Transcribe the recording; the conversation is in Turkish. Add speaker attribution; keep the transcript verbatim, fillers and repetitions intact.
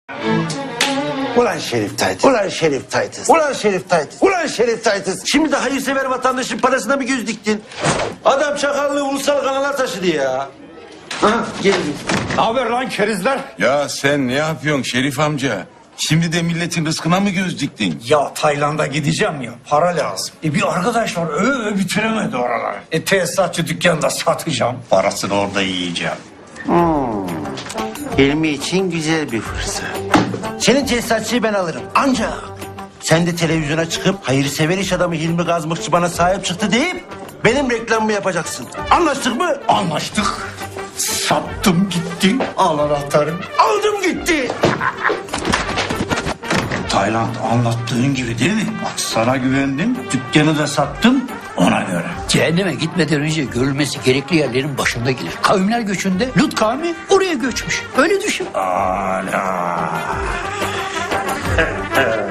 Speaker 1: Ulan Şerif Taytız. Ulan Şerif Taytız. Ulan Şerif Taytız. Ulan Şerif Taytız. Şimdi de hayırsever vatandaşın parasına mı göz diktin? Adam çakallığı ulusal kanala taşıdı ya. Aha geldim.
Speaker 2: Ne haber lan kerizler?
Speaker 3: Ya sen ne yapıyorsun Şerif amca? Şimdi de milletin rızkına mı göz diktin?
Speaker 2: Ya Tayland'a gideceğim ya, para lazım. E bir arkadaş var, öve öve bitiremedi oraları. E tesisatçı dükkanında satacağım, parasını orada yiyeceğim.
Speaker 1: Hilmi için güzel bir fırsat. Senin tesisatçıyı ben alırım. Ancak sen de televizyona çıkıp hayırsever iş adamı Hilmi Gazmıkçı bana sahip çıktı deyip benim reklamımı yapacaksın. Anlaştık mı?
Speaker 2: Anlaştık. Sattım gitti, al anahtarı.
Speaker 1: Aldım gitti.
Speaker 2: Tayland anlattığın gibi değil mi? Bak sana güvendim, dükkanı da sattım ona göre.
Speaker 4: Cehenneme gitmeden önce görülmesi gerekli yerlerin başında gelir. Kavimler göçünde Lut kavmi oraya göçmüş. Öyle düşün.
Speaker 2: Ala.